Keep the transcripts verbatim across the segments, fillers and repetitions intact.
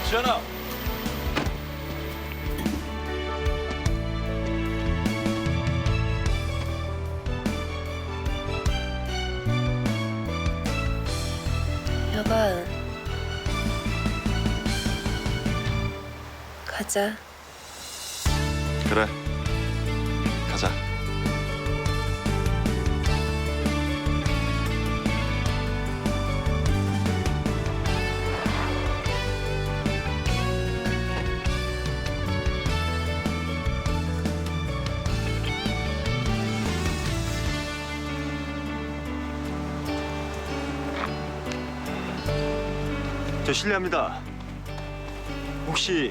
지현아. 여봐, 가자. 그래. 가자. 저 실례합니다. 혹시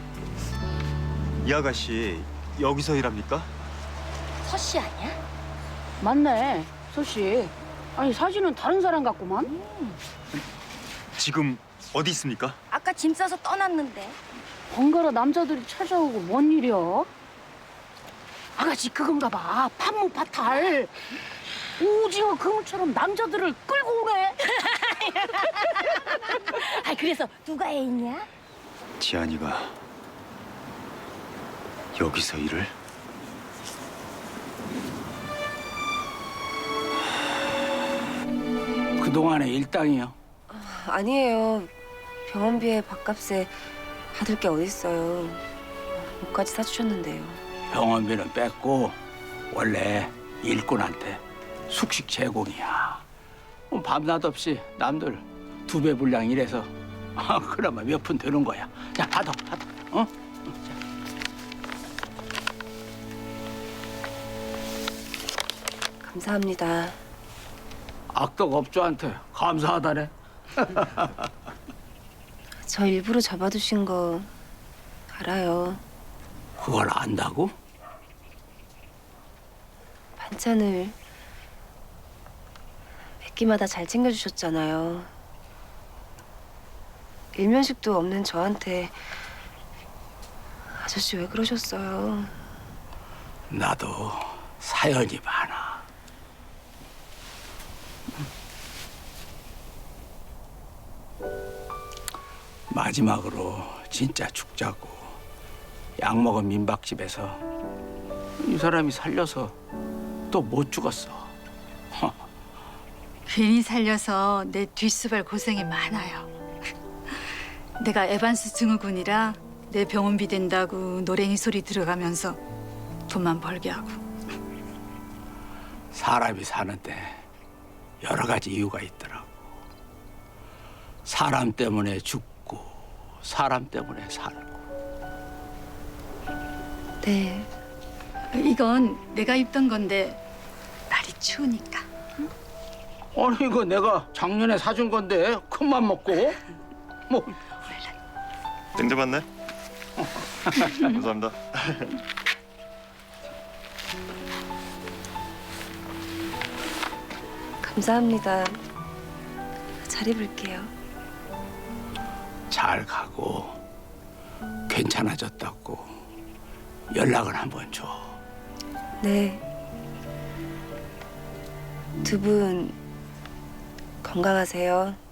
이 아가씨 여기서 일합니까? 서씨 아니야? 맞네, 소씨. 아니 사진은 다른 사람 같구만. 지금 어디 있습니까? 아까 짐 싸서 떠났는데. 번갈아 남자들이 찾아오고 뭔 일이야? 아가씨 그건가 봐. 판무파탈. 오징어 그물처럼 남자들을 끌고 오네. 아 그래서 누가 애 있냐? 지안이가 여기서 일을? 그동안의 일당이요. 아니에요. 병원비에 밥값에 받을 게 어딨어요. 옷까지 사주셨는데요. 병원비는 뺐고 원래 일꾼한테 숙식 제공이야. 뭐 밤낮 없이 남들 두 배 분량 일해서 아, 그나마 몇 푼 되는 거야. 야, 받아, 받아. 어? 감사합니다. 악덕 업주한테 감사하다네. 저 일부러 잡아두신 거 알아요. 그걸 안다고? 반찬을 몇 끼마다 잘 챙겨주셨잖아요. 일면식도 없는 저한테 아저씨 왜 그러셨어요? 나도 사연이 많아. 마지막으로 진짜 죽자고 약 먹은 민박집에서 이 사람이 살려서 또 못 죽었어. 괜히 살려서 내 뒷수발 고생이 많아요. 내가 에반스 증후군이라 내 병원비 된다고 노랭이 소리 들어가면서 돈만 벌게 하고. 사람이 사는데 여러 가지 이유가 있더라고. 사람 때문에 죽고 사람 때문에 살고. 네. 이건 내가 입던 건데 날이 추우니까. 아니 이거 내가 작년에 사준 건데 큰맘 먹고 뭐 땡 잡았네. 감사합니다. 감사합니다. 잘 입을게요. 잘 가고 괜찮아졌다고 연락을 한번 줘. 네. 두 분 건강하세요.